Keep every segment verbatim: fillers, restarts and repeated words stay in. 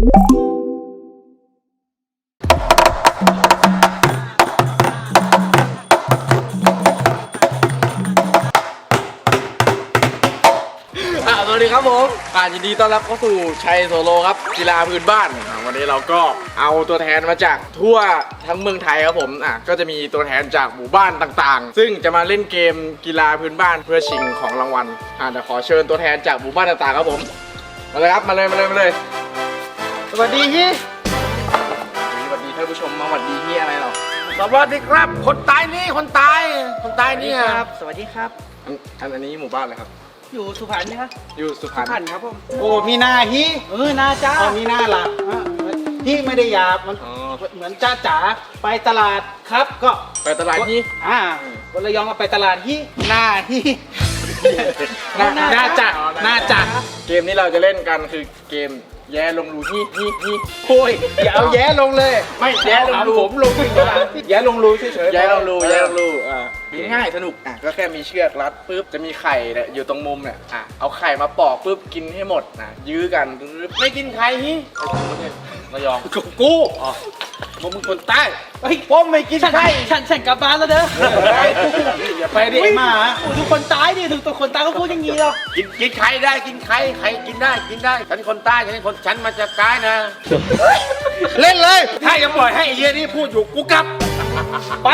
สวัสดีครับผมอ่ายินดีต้อนรับเข้าสู่ชัยโซโลครับกีฬาพื้นบ้านวันนี้เราก็เอาตัวแทนมาจากทั่วทั้งเมืองไทยครับผมอ่ะก็จะมีตัวแทนจากหมู่บ้านต่างๆซึ่งจะมาเล่นเกมกีฬาพื้นบ้านเพื่อชิงของรางวัลอ่าเดี๋ยวขอเชิญตัวแทนจากหมู่บ้านต่างๆครับผมมาเลยครับมาเลยมาเลยมาเลยสวัสดีฮี่สวัสดีท่านผู้ชมมาสวัสดีฮี่อะไรหรอสวัสดีครับคนตายนี่คนตายคนตายนี่ครับสวัสดีครับอันอันนี้หมู่บ้านอะไรครับอยู่สุพรรณนี่ครับอยู่สุพรรณสุพรรณครับผมโอ้มีหน้าฮีเออหน้าจ้าอ๋อมีหน้าล่ะฮีไม่ได้หยาบมันเหมือนจ้าจ๋าไปตลาดครับก็ไปตลาดฮีอ่าคนระยองก็ไปตลาดฮีหน้าฮีหน้าหน้าจัดหน้าจัดเกมนี้เราจะเล่นกันคือเกมแย่ลงรูฮีฮีฮีโอ้ยอย่าเอาแย่ลงเลยไม่แย่ลงรูผมลงอีกแล้วแย่ลงรูเฉยๆแย่ลงรูแย่ลงรูอ่าง่ายสนุกอ่ะก็แค่มีเชือกรัดปุ๊บจะมีไข่เนี่ยอยู่ตรงมุมเนี่ยอ่ะเอาไข่มาปอกปุ๊บกินให้หมดนะยื้อกันไม่กินไข่ฮีระยองกูอ๋อมึงคนใต้เฮ้ยผมไม่กินไข่ฉันฉันกลับบ้านแล้วเด้ออย่าไปดิมาทุกคนตายดิทุกตัวคนตายก็พูดอย่างนี้หรอกินกินไข่ได้กินไข่ไข่กินได้กินได้ฉันคนใต้ฉันคนฉันมาจากใต้นะเล่นเลยถ้ายังปล่อยให้ไอ้เหี้ยนี่พูดอยู่กูกลับไป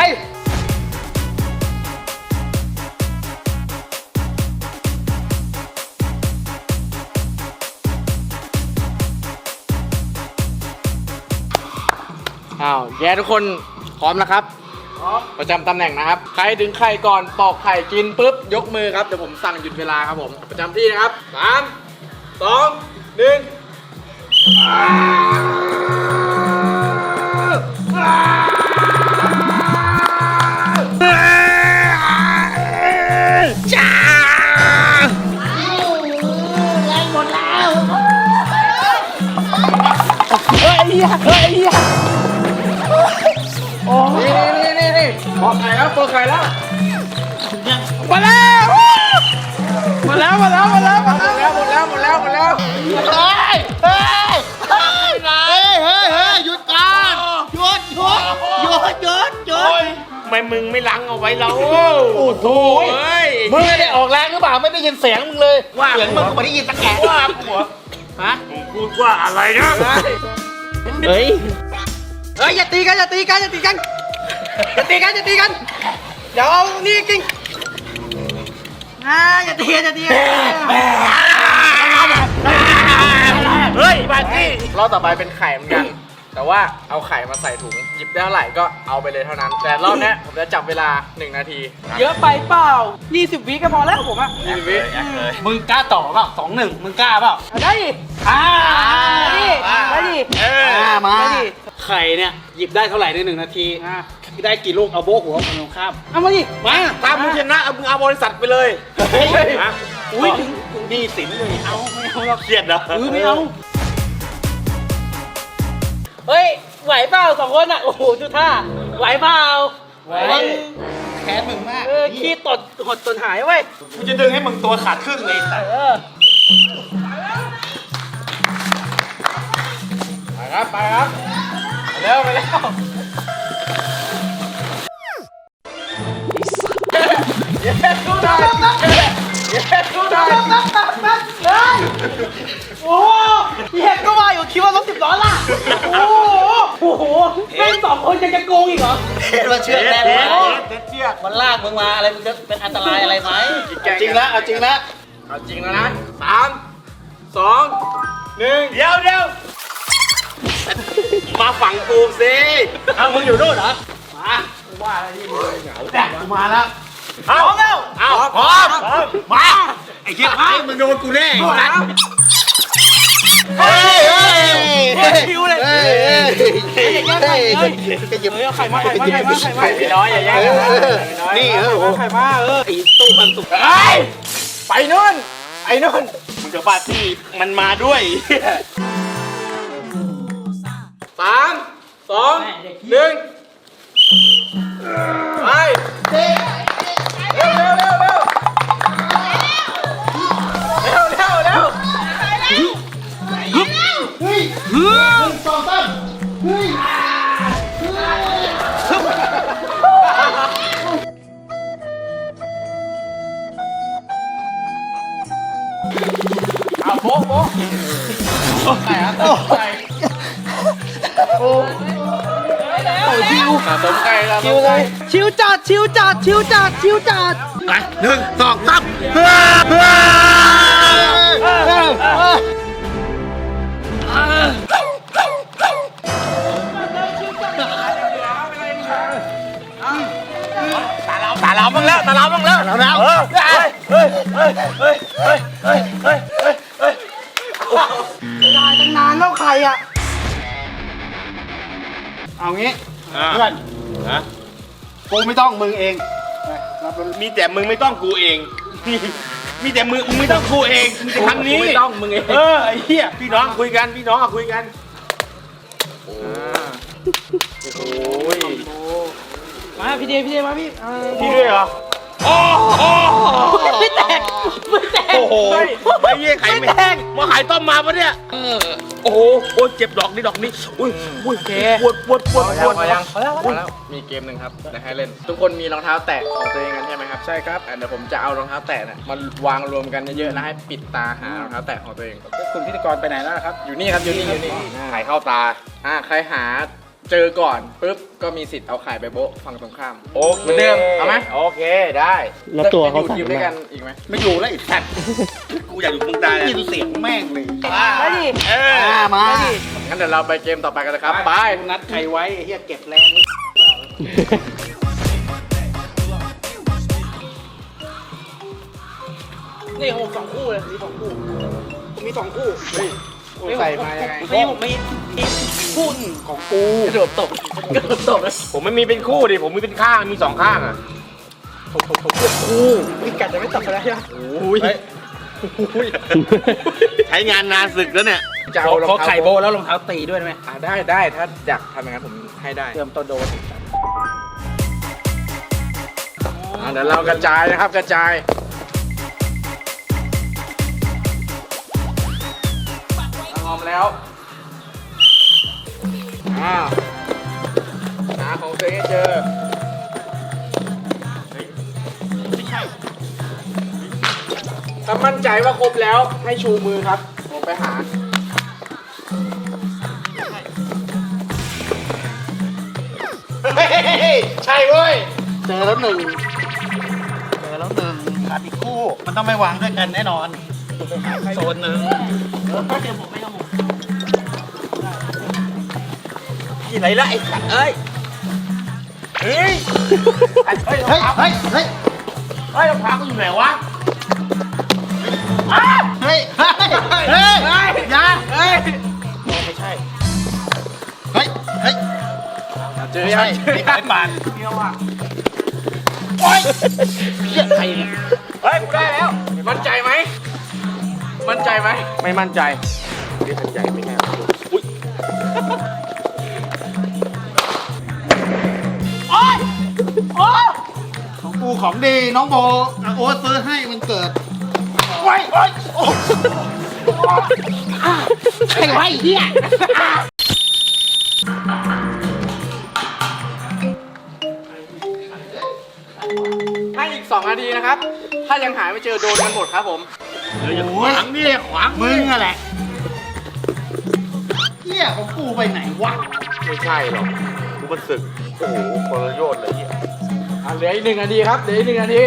อ้าวแย่ทุกคนพร้อมนะครับประจำตำแหน่งนะครับใครดึงไข่ก่อนปอกไข่กินปุ๊บยกมือครับเดี๋ยวผมสั่งหยุดเวลาครับผมประจำที่นะครับสามสองหนึ่งจ้าแรงหมดแล้วเฮ้ยเฮ้ยโอ้นี่นี่นี่นี่ปอกไข่แล้วปอกไข่แล้วมาแล้วมาแล้วมาแล้วมาแล้วมาแล้วหมดแล้วหมดแล้วหมดแล้วเฮ้ยเฮ้ยเฮ้ยเฮ้ยเฮ้ยเฮ้ยหยุดก่อนหยุดหยุดหยุดหยุดหยุดทำไมมึงไม่ล้างเอาไว้เราโอ้โหมึงไม่ได้ออกแรงหรือเปล่าไม่ได้ยินเสียงมึงเลยว่าเสียงมึงก็ไม่ได้ยินสักแกะว่าหัวฮะมึงพูดว่าอะไรนะเฮ้ยเฮ้ยอย่าตีกันอย่าตีกันอย่าตีกันอย่าตีกันอย่าตีกันเดี๋ยวเอานี่จริงอ่าอย่าตีอย่าตีเฮ้ยบาจี้รอบต่อไปเป็นไข่เหมือนกันแต่ว่าเอาไข่มาใส่ถุงหยิบได้เท่าไหร่ก็เอาไปเลยเท่านั้นแต่รอบนี้ผมจะจับเวลาหนึ่งนาทีเยอะไปเปล่ายี่สิบวิก็พอแล้วผมอ่ะยี่สิบวิมึงกล้าต่อเปล่าสองหนึ่งมึงกล้าเปล่าได้ดิอ่าได้ดิได้ดิมาไข่เนี่ยหยิบได้เท่าไหร่ในหนึ่งนาทีได้กี่ลูกเอาโบกหัวคนตรงข้ามเอามาดิมาตามมึงชนะเอามึงเอาบริษัทไปเลยอุ้ยนี่สินเลยเอาไม่เอาเราเครียดนะเออไม่เอาเฮ้ยไหวเปล่าสองคนอ่ะโอ้โหจุท่าไหวเปล่าไหวแขนมึงมากเออขี้ตดหดตนหายเว้ยกูจะดึงให้มึงตัวขาดครึ่งเลยแต่เออไปครับไปครับไปแล้วไปแล้วเย้สู้ได้เย้สู้ได้โอ้โหเห็นก็ว่าอยู่คิดว่ารถสิบล้อล่ะโอ้โหโอ้โหแม่งสองคนยังจะโกงอีกเหรอเทมาเชือกแน่เลยเชือกมันลากมึงมาอะไรมึงจะเป็นอันตรายอะไรไหมจริงแล้วเอาจริงแล้วเอาจริงแล้วนะสามสองหนึ่งเดี๋ยวเดี๋ยวมาฝั่งกูสิเอามึงอยู่นู่นเหรอมาว่าอะไรที่มึงเหงาแต่กูมาแล้วพร้อมแล้วเอาพร้อมมาไอ้เหี้ยไอ้มึงโดนกูแน่นะเฮ้ยเฮ้ยเฮ้ยคิวเลยเฮ้ยเฮ้ยเฮ้ยเฮ้ยจะหยิบเอาไข่มาไข่มาไข่มาไข่มาไข่น้อยอย่าแย่งนี่เออไข่มาเออไอ้ตู้มันสุกไอ้ไปนู่นไอ้นู่นมึงจะปาร์ตี้มันมาด้วยสามสองหนึ่งไปเร็วเร็วเร็วเร็วเร็วเร็วเร็วเฮ้ยหนึ่งสองสามเฮ้ยเอาโบ๊ะโบ๊ะใส่ครับใส่โอ้ชิวสะสมไก่สะสมไก่ชิวจัดชิวจัดชิวจัดชิวจัดไปหนึ่งสองสามตาเราตาเราบ้างแล้วตาเราบ้างแล้วตาเราเฮ้ยเฮ้ยเฮ้ยเฮ้ยเฮ้ยเฮ้ยเฮ้ยเฮ้ยเฮ้ยได้ตั้งนานแล้วใครอ่ะเอางี้เพื่อนนะกูไม่ต้องมึงเองมีแต่มึงไม่ต้องกูเอง มีแต่มึงมึงไม่ต้องกูเองมีแต่ครั้งนี้ไม่ต้องมึงเองเออไอ้เหี้ยพี่น้องคุยกันพี่น้องอะคุยกันโอ้ยมาพี่เดย์พี่เดย์มาพี่เออพี่ด้วยเหรอโอ้โหไม่แตกไม่แตกโอ้โหไอ้เหี้ยไข่ไม่แห้งมาขายต้มมาปะเนี่ยโอ้โหโอ้ยเจ็บดอกนี้ดอกนี้อุ้ยอุ้ยปวดปวดปวดปวดพอยังพอแล้วพอแล้วมีเกมหนึ่งครับจะให้เล่น ทุกคนมีรองเท้าแตะของตัวเองกันใช่ไหมครับใช่ครับเดี๋ยวผมจะเอารองเท้าแตะเนี่ยมาวางรวมกันเยอะๆแล้วให้ปิดตาหารองเท้าแตะของตัวเองคุณพิธีกรไปไหนแล้วครับอยู่นี่ครับอยู่นี่อยู่นี่ไข่เข้าตาอ่าใครหาเจอก่อนปุ๊บก็มีสิทธิ์เอาไข่ไปโบ๊ะฝั่งตรงข้ามโอเคเหมือนเดิมเอาไหมโอเคได้แล้วตัวเขาจะสั่งอยู่ทีมด้วยมากันอีกไหมไม่อยู่แล้วไอ้สัตว์กูอยากอยู่มึงตายยินเสียงแม่งเลยมาดิเออมามาดิงั้นเดี๋ยวเราไปเกมต่อไปกันเลยครับไปนัดใครไว้ไอ้เฮียเก็บแรงไว้นี่ของผมสองคู่เลยมีสองคู่ผมมีสองคู่ใส่มายังไงไม่ผมมีอีกคู่หนึ่งของกูกระโดดตบกระโดดตบเลยผมไม่มีเป็นคู่ดิผมมีเป็นข้างมีสองข้างอ่ะคู่มีกัดจะไม่ตบกันแล้วใช่ไหมโอ้ยใช้งานนานสึกแล้วเนี่ยจะเอารองเขาเท้าไข่โบแล้วรองเท้าตีด้วยได้ไหมอ่าได้ได้ถ้าอยากทำอย่างนั้นผมให้ได้เตรียมตัวโดนอ่าเดี๋ยวเรากระจายนะครับกระจายพร้อมแล้วอ้าวหาของตัวเองให้เจอไม่ใช่ถ้ามั่นใจว่าครบแล้วให้ชูมือครับผมไปหาใช่เว้ยเจอแล้วหนึ่งเจอแล้วหนึ่งขาดอีกคู่มันต้องไม่วางด้วยกันแน่นอนโซนหนึ่งเออเดี๋ยวผมไม่ต้องที่ไหนละไอ้สัตว์เอ้ยเฮ้ยเฮ้ยเฮ้ยเฮ้ยเฮ้ยเฮ้ยรองเท้ากูอยู่ไหนวะเฮ้ยเฮ้ยเฮ้ยเฮ้ยอย่าเฮ้ยไม่ใช่เฮ้ยเฮ้ยเจอไม่ยัใช่งไม่ใช่ปานเดียวอ่ะโอ๊ยเหี้ยใครเนี่ยเฮ้ยกูได้แล้วมั่นใจไหมมั่นใจไหมไม่มั่นใจเรียกทันใจไม่แน่อุ้ยโอ๊ยโอ๊ยของกูของดีน้องโบอ่ะโอ๊ตซื้อให้มันเกิดโอ๊ยโอ๊ยโอ๊ยใครไว้เหี้ยให้อีกสองนาทีนะครับ ถ้ายังหาไม่เจอโดนกันหมดครับผมเดี๋ยวอย่าขวางนี่ขวางมึงอะแหละเหี้ยของกูไปไหนวะไม่ใช่หรอกกูมันศึกโอ้โหคนละโยชน์เลยเนี่ยอ่ะเหลืออีกหนึ่งนาทีครับเหลืออีกหนึ่งนาที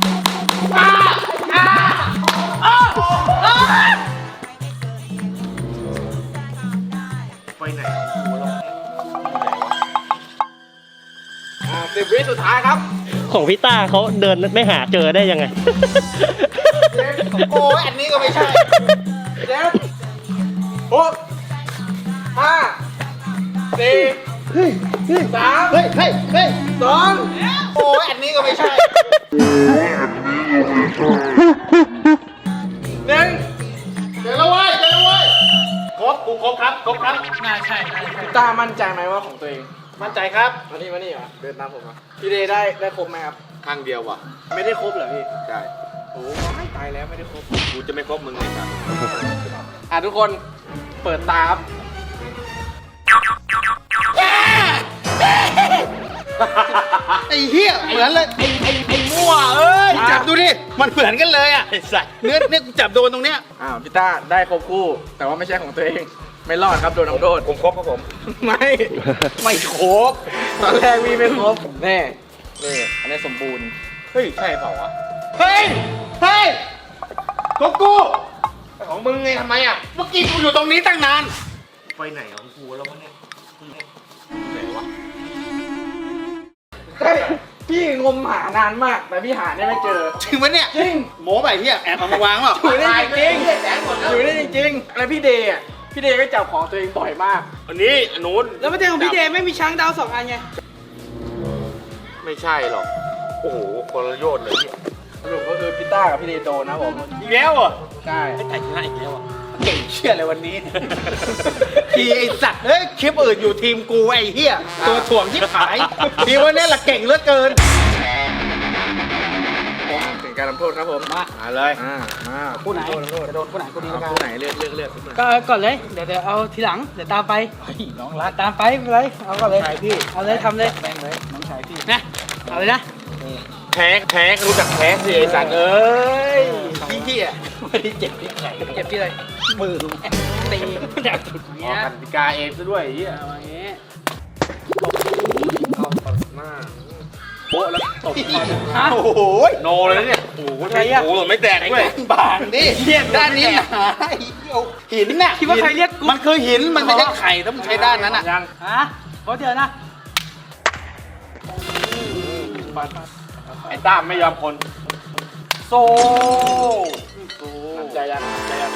ไปไหนกูแล้วอ่าสิบวิสุดท้ายครับของพี่ต้าเขาเดินไม่หาเจอได้ยังไงโอ้ยอันนี้ก็ไม่ใช่เจ็ดหกห้าสี่เฮ้ยเฮ้ยสามเฮ้ยเฮ้ยเฮ้ยสองโอ้ยอันนี้ก็ไม่ใช่หนึ่งเดี๋ยวแล้วเว้ยเดี๋ยวแล้วเว้ยครบกูครบครับครบครับน่าใช่น่าใช่ตามั่นใจไหมว่าของตัวเองมั่นใจครับมานี่มานี่มาเดินตามผมมาพี่เดย์ได้ได้ครบไหมครับข้างเดียวว่ะไม่ได้ครบเหรอพี่ใช่โอ้ยตายแล้วไม่ได้ครบกูจะไม่ครบมึงเลยครับอ่ะทุกคนเปิดตาครับไอ้เหี้ยเหมือนเลยไอ้ไอ้ไอ้มั่วเอ้ยจับดูดิมันเหมือนกันเลยอ่ะไอ้สัสเนื้อเนี่ยกูจับโดนตรงเนี้ยอ้าวพี่ต้าได้ครบคู่ แต่ว่าไม่ใช่ของตัวเอง ไม่รอดครับโดนน้ำโทษผมครบครับผมไม่ไม่ครบตอนแรกมีไม่ครบแน่นี่อันนี้สมบูรณ์เฮ้ยใช่เปล่าวะเฮ้ยเฮ้ยของกูของมึงไงทำไมอ่ะเมื่อกี้กูอยู่ตรงนี้ตั้งนานไปไหนของกูแล้ววะเนี่ยไหนวะเฮ้ยพี่งมหานานมาก แต่พี่หาเนี่ยไม่เจอจริงปะเนี่ยจริงโม้ไปเหี้ยแอบเอามาวางเปล่าอยู่ได้จริงๆอยู่ได้จริงๆแล้วพี่เดย์อ่ะพี่เดย์ก็จับของตัวเองบ่อยมากวันนี้หนูแล้วประเด็นของพี่เดย์ไม่มีช้างดาวสองอันไงไม่ใช่หรอกโอ้โหคนละโยชน์เลยเนี่ยสรุปก็คือพี่ต้ากับพี่เดย์โดนนะผมอีกแล้วเหรอ่ะใช่ไอ้แต่ชนะอีกแล้วอ่ะเก่งเชี่ยเลยวันนี้ ทีไอ้สัตว์เฮ้ยคลิปอื่นอยู่ทีมกูไอ้เหี้ยตัวถ่วงที่ขายทีวันนี้ละเก่งเหลือเกินผมถึงการทำโทษครับผมมามาเลยอ่ามาคู่ไหนทำโทษจะโดนคู่ไหนคู่นี้เอาแล้วกันคู่ไหนเลือกเลือกเลือกก็ก่อนเลย เดี๋ยวเดี๋ยวเอาทีหลัง เดี๋ยวตามไปน้องรักตามไปไม่เป็นไรเอาก่อนเลยชายพี่เอาเลยทำเลยแม่งเลยน้องชายพี่นะ เอาเลยนะแพ้แพ้รู้จักแพ้สิไอ้สัตว์เอ้ยพี่เหี้ยไม่ได้เจ็บที่ไหนเจ็บที่เลยมือตีแดกจุดออเนี้ยกกติกาเองซะด้วยไอ้เหี้ยเอาอย่างงี้เอาเปิดหน้าโบ๊ะแล้วตบคอฮะโอ้โหโนเลยนะเนี่ยโอ้โหใครอะโอ้โหไม่แตกด้วยบางดิเหี้ยด้านนี้หนาไอ้เหี้ยหินน่ะคิดว่าใครเรียกกูมันคือหินมันไม่ใช่ไข่ถ้ามึงใช้ด้านนั้นอ่ะยังฮะขอเดี๋ยวนะไอ้ต้ามไม่ยอมคนโซหนักใจยังหนักใจยัง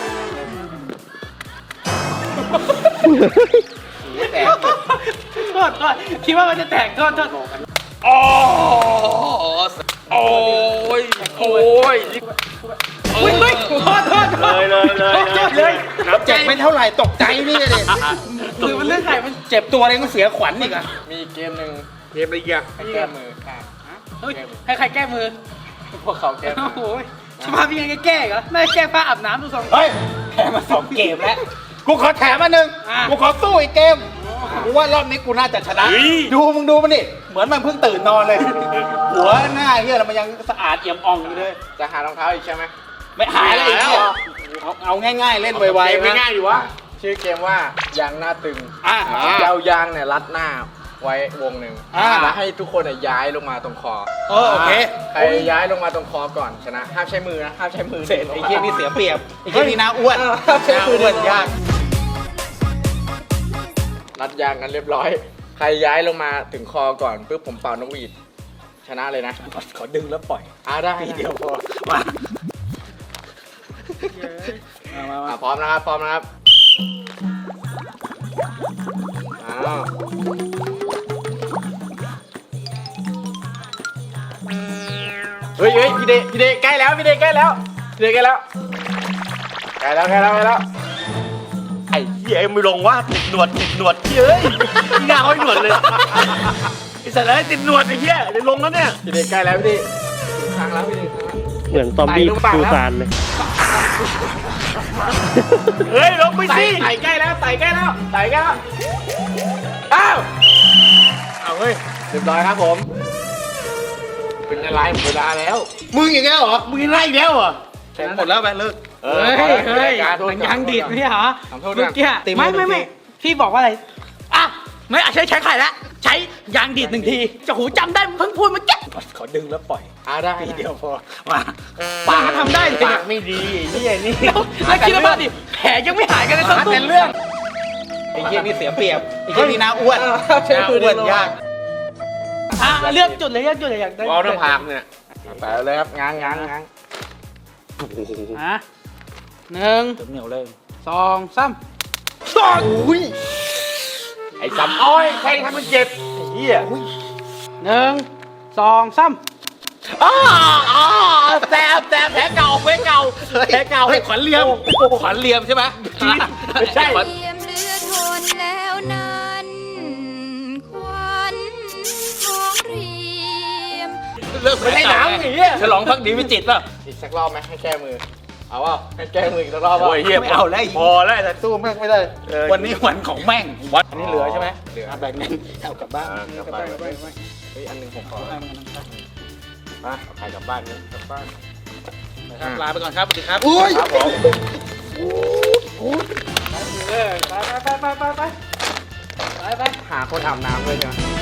ไม่แตกโทษโทษคิดว่ามันจะแตกโทษโทษโอ้โอ้ยโอ้ยอุ้ยเฮ้ยโทษโทษโทษเลยเลยเลยโทษเลยนับเจ็บไม่เท่าไหร่ตกใจนี่เลยคือมันเรื่องไหนมันเจ็บตัวเองก็เสียขวัญอีกอะมีเกมหนึ่งเกมอะไรอีกอะให้แก้มือค่ะเฮ้ยให้ใครแก้มือพวกเขาแก้มืโอ้อโหสภาพยังไงก็แก้เหรอไม่แก้ผ้าอาบน้ำดูทรงเฮ้ยแถมมาสองเกมแล้ว กูขอแถมมาหนึ่งอ่ะกูขอสู้อีกเกม กูว่ารอบนี้กูน่าจะชนะ ดูมึงดูมันดิ เหมือนมันเพิ่งตื่นนอนเลย หัวหน้าเฮียแล้วมันยังสะอาดเอี่ยมอ่องอยู่เลยจะหารองเท้าอีกใช่ไหมไม่หายอะไรอีกเนี่ยเอาเอาง่ายๆ เล่นไวๆนะง่ายอยู่วะชื่อเกมว่ายางหน้าตึงอ่ะจะเอายางเนี่ยรัดหน้าไว้วงหนึ่งอ่าแล้วให้ทุกคนเนี่ยย้ายลงมาตรงคอเออโอเคใครย้ายลงมาตรงคอก่อนชนะ ห้ามใช้มือนะ ห้ามใช้มือเสร็จไอ้เฮียนี่เสียเปรียบ ไอ้เฮียนี่น่าอ้วนห้ามใช้น่ามืออ้วนยากรัดยางกันเรียบร้อย ใครย้ายลงมาถึงคอก่อนปุ๊บผมเป่านกหวีดชนะเลยนะขอดึงแล้วปล่อยอ่าได้ทีเดียวพอมาอ่ะพร้อมนะครับ พร้อมนะครับอ้าวเฮ้ยเฮ้ยพี่เดพี่เดใกล้แล้วพี่เดใกล้แล้วพี่เดใกล้แล้วใกล้แล้วใกล้แล้วใกล้แล้วไอ้เหี้ยไม่ลงว่าติดหนวดติดหนวดเฮ้ยหน้าห้อยหนวดเลยไอ้สัตว์เลยติดหนวดไอ้เหี้ยเดี๋ยวลงแล้วเนี่ยพี่เดใกล้แล้วพี่เดถึงทางแล้วพี่เดเหมือนซอมบี้ดูซานเลยเฮ้ยลงไปไต่สิไต่ใกล้แล้วไต่ใกล้แล้วไต่ใกล้แล้วอ้าวเอาเฮ้ยเรียบร้อยครับผม เป็นอะไรหมดเวลาแล้วมึงอีกแล้วเหรอมึงไล่อีกแล้วเหรอหมดแล้วไปเลิกเอเฮ้อยเฮ้ยการโทษมันยังดีดไม่ใช่เหรอทำโทษเมื่อกี้ตีมือไม่หนึ่ไม่งไม่ทีพี่บอกว่าอะไรอ่ะไม่อ่ะใช้ใช้ไข่แล้วใช้ยางดีดหนึ่งทีจะหูจำได้เพิ่งพูดเมื่อกี้ขอดึงแล้วปล่อยอ่าได้ทีเดียวพอมาปากทำได้เลยปากไม่ดีไอ้เหี้ยนี่แล้วแล้วคิดว่าดิแผลยังไม่หายกันเลยสักหาตุ้แต่มเรื่องไอ้เหี้ยนี่เสียเปรียบไอ้เหี้ยนี่น่าอ้วนน่าอ้วนยากอ่ะเลือกจุดเลยเลือกจุดเลยอยากได้เอาหน้าผากเนี่ยไปเลยครับง้างง้างง้างอ่ะหนึ่งเหนียวเลยสองสามสองอุ้ยไอ้สำอ้อยใครทำมันเจ็บไอ้เหี้ยหนึ่งสองสามอ้าอ้าแต้มแต้มแผลเก่าแผลเก่าแผลเก่าให้ขวัญเลียมขวัญเลียมใช่ไหมไม่ใช่เตรียมเรือทนแล้วนั้นควันของเรียมเลิกไม่ได้หนังไอ้เหี้ยฉลองพักดีวิจิตรป่ะอีกสักรอบไหมให้แก้มือเอาว่าให้แกล้งมึงอีกสักรอบโอ้ยเฮียไม่เอาแล้วพอแล้วแต่สู้แม่งไม่ได้ วันนี้วันของแม่งวัดอันนี้เหลือใช่ไหมเหลือแบ่งกันเอากลับบ้านกลับบ้านกลับบ้านเฮ้ยอันหนึงผมขอเอาให้มันนั่งไปมาเอาใครกลับบ้านเนี่ยกลับบ้านนะครับลาไปก่อนครับสวัสดีครับอุ้ยครับผมไปไปไปไปไปไปไปหาคนอาบน้ำเลยจ้ะ